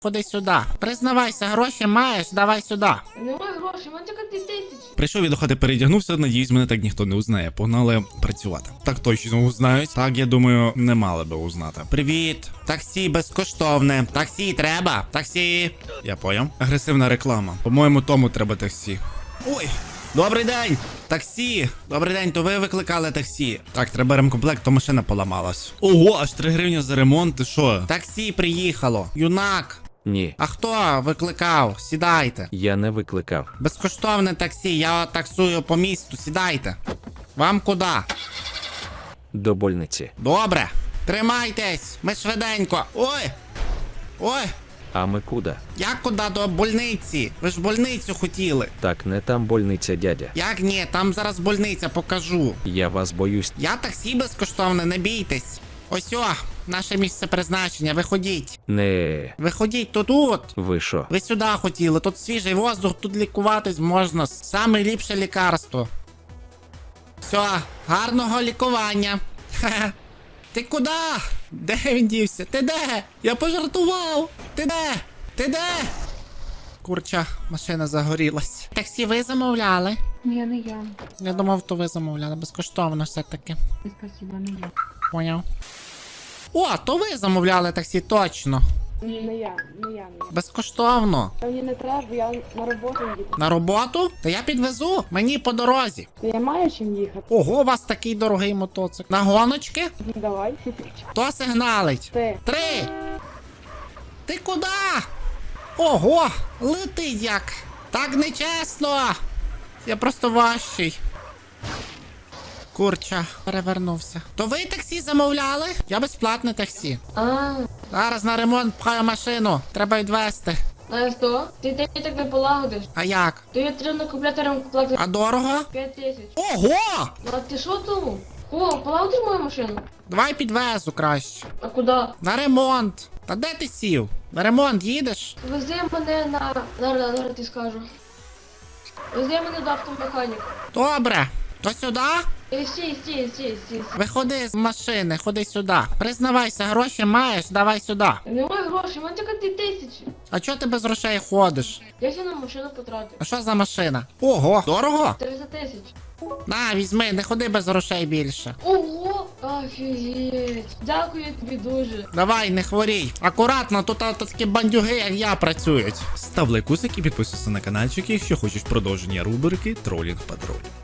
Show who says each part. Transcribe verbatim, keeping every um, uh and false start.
Speaker 1: Ходи сюди. Признавайся, гроші маєш, давай сюди.
Speaker 2: Немає грошей, в мене тільки дві тисячі.
Speaker 3: Прийшов я до хати, передягнувся, надіюсь, мене так ніхто не узнає. Погнали працювати. Так точно узнають. Так, я думаю, не мали би узнати. Привіт. Таксі безкоштовне. Таксі треба. Таксі. Я поняв. Агресивна реклама. По-моєму, тому треба таксі. Ой. Добрий день! Таксі! Добрий день, то ви викликали таксі. Так, треба ремкомплект, то машина поламалась. Ого, аж три гривні за ремонт, ти що? Таксі приїхало. Юнак.
Speaker 4: Ні,
Speaker 1: А хто викликав? Сідайте.
Speaker 4: я не викликав.
Speaker 1: Безкоштовне таксі, я таксую по місту, сідайте. Вам куди?
Speaker 4: До больниці.
Speaker 1: Добре. Тримайтесь, ми швиденько. Ой! Ой!
Speaker 4: А ми куди?
Speaker 1: Як куди до больниці? Ви ж больницю хотіли.
Speaker 4: Так, не там больниця, дядя.
Speaker 1: Як ні, там зараз больниця, покажу.
Speaker 4: Я вас боюсь.
Speaker 1: Я таксі безкоштовне, не бійтесь. Ось о, наше місце призначення, виходіть.
Speaker 4: Не.
Speaker 1: Виходіть тут от.
Speaker 4: Ви що?
Speaker 1: Ви сюди хотіли, тут свіжий воздух, тут лікуватись можна. Саме ліпше лікарство. Все, гарного лікування. Ха-ха. Ти куди? Де він дівся? Ти де? Я пожартував. Ти де? Ти де? Курча, машина загорілась. Таксі ви замовляли?
Speaker 2: Ні, не я.
Speaker 1: Я думав, то ви замовляли. Безкоштовно все-таки.
Speaker 2: Спасибо, не я.
Speaker 1: Поняв. О, то ви замовляли таксі, точно.
Speaker 2: Ні, не я, не я, не я.
Speaker 1: Безкоштовно.
Speaker 2: Мені не треба, бо я на роботу їду.
Speaker 1: На роботу? Та я підвезу. Мені по дорозі.
Speaker 2: То я маю чим їхати.
Speaker 1: Ого, у вас такий дорогий мотоцикл. На гоночки?
Speaker 2: Давай.
Speaker 1: Хто сигналить?
Speaker 2: Ти.
Speaker 1: Три. Ти куди? Ого, летить як. Так нечесно. Я просто важчий. Курча, перевернувся. То ви таксі замовляли? Я безплатне таксі.
Speaker 2: А,
Speaker 1: Зараз на ремонт пхаю машину. Треба відвезти.
Speaker 2: знаєш що? Ти ти так не полагодиш.
Speaker 1: А як?
Speaker 2: То я треба купляти ремкомплект
Speaker 1: А дорого?
Speaker 2: п'ять тисяч.
Speaker 1: Ого!
Speaker 2: А ти що тому? О, полагодиш мою машину?
Speaker 1: Давай підвезу краще.
Speaker 2: А куди?
Speaker 1: На ремонт. Та де ти сів? На ремонт їдеш?
Speaker 2: Вези мене на... Зараз, зараз ти скажу. Вези мене до автомеханіка.
Speaker 1: Добре. То сюди?
Speaker 2: Е, Стій, стій, стій, стій.
Speaker 1: Виходи з машини, ходи сюди. Признавайся, гроші маєш, давай сюди.
Speaker 2: Немає грошей, в мене тільки дві тисячі.
Speaker 1: А чого ти без грошей ходиш?
Speaker 2: Я ще на машину потратив.
Speaker 1: А що за машина? Ого, дорого?
Speaker 2: триста тисяч.
Speaker 1: На, візьми, не ходи без грошей більше.
Speaker 2: Ого! Офігеть! Дякую тобі дуже.
Speaker 1: Давай, не хворій. Акуратно, тут а, такі бандюги, як я, працюють.
Speaker 3: Став лайкусик і підписуйся на каналчик, якщо хочеш продовження рубрики Тролінг Патруль.